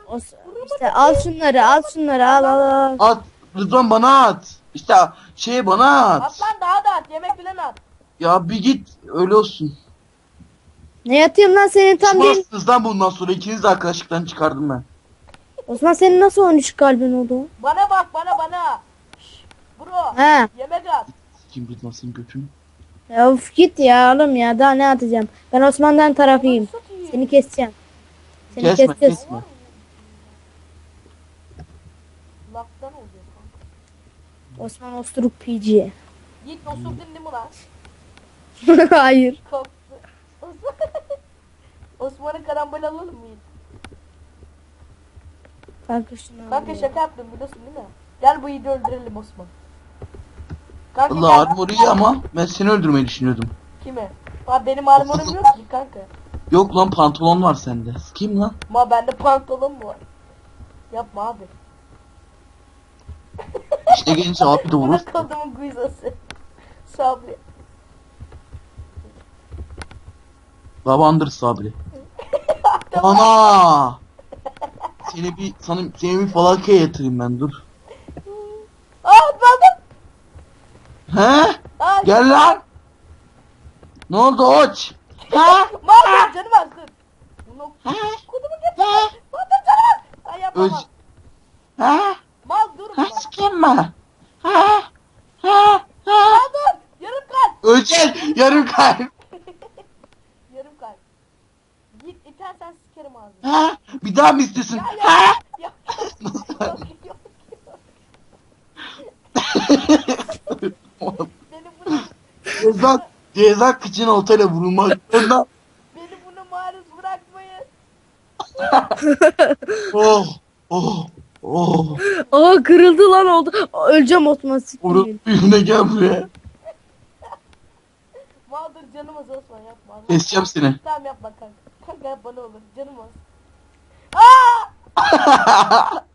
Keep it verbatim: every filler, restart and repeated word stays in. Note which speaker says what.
Speaker 1: O, işte al şunları, al şunları, al al al.
Speaker 2: At. Rıdvan bana at. İşte şey bana at.
Speaker 3: At lan daha da at. Yemek bilen at.
Speaker 2: Ya bir git öyle olsun.
Speaker 1: Ne yatayım lan senin tam değil.
Speaker 2: Düşmansınız lan bundan sonra ikiniz de arkadaşlıktan çıkardım ben.
Speaker 1: Osman senin nasıl on üç kalbin oldu?
Speaker 3: Bana bak bana bana. Şşş, bro.
Speaker 1: He.
Speaker 3: Yemek at.
Speaker 2: Kim Rıdvan senin götünü?
Speaker 1: Ya of git ya oğlum ya daha ne atacağım. Ben Osman'dan tarafıyım. Seni keseceğim. Seni
Speaker 2: Kesme
Speaker 1: keseceğiz.
Speaker 2: kesme.
Speaker 3: Laftan oluyor kanka.
Speaker 1: Osman Osturuk P G.
Speaker 3: Yiğit osurdun değil mi lan?
Speaker 1: Hayır.
Speaker 3: Korktu. Osman'ın karambol alalım mı Yiğit?
Speaker 1: Kanka şunu
Speaker 3: Kanka
Speaker 1: al ya.
Speaker 3: şaka yaptım biliyorsun değil mi? Gel bu Yiğit'i öldürelim Osman. Kanka
Speaker 2: Allah
Speaker 3: gel.
Speaker 2: armor iyi ama ben seni öldürmeyi düşünüyordum.
Speaker 3: Kime? Abi benim armorum yok ki kanka.
Speaker 2: Yok lan pantolon var sende. Kim lan?
Speaker 3: Ma bende pantolon mu var? Yapma abi.
Speaker 2: İşte gelince abi de vurur.
Speaker 3: Bırak adamın guizası. Sabri.
Speaker 2: Babandır sabri. Ana! Seni bir sana seni bir falakaya yatırayım ben dur.
Speaker 3: Aa atladım.
Speaker 2: He?
Speaker 3: Aa,
Speaker 2: Gel lan. Ne oldu oç? He?
Speaker 3: Mal canım az dur. Bunu
Speaker 2: He?
Speaker 3: kudumu getir.
Speaker 2: He?
Speaker 3: Mal dur canım az. Ay yapma
Speaker 2: Öz.
Speaker 3: mal.
Speaker 2: He?
Speaker 3: Mal dur
Speaker 2: He
Speaker 3: mal.
Speaker 2: sikeyim mi? He? He? He?
Speaker 3: Mal dur. Yarım kalp.
Speaker 2: Öcel yarım kalp.
Speaker 3: Yarım kalp. Git itersen sikerim ağzını.
Speaker 2: He? Bir daha mı istesin?
Speaker 3: Ya
Speaker 2: He?
Speaker 3: ya. Yok yok yok. Beni bunu
Speaker 2: Ceza, ceza kıçın oltayla vurulmaklarında.
Speaker 3: beni bunu maruz bırakmayın.
Speaker 2: Oh, oh, oh.
Speaker 1: Aa kırıldı lan oldu. Aa, öleceğim Osman siktir.
Speaker 2: Vurup birine gel buraya.
Speaker 3: Mal dur canım az Osman yapma. Allah.
Speaker 2: Keseceğim seni.
Speaker 3: Tamam yapma kanka. Kanka yapma ne olur canım az. Aa!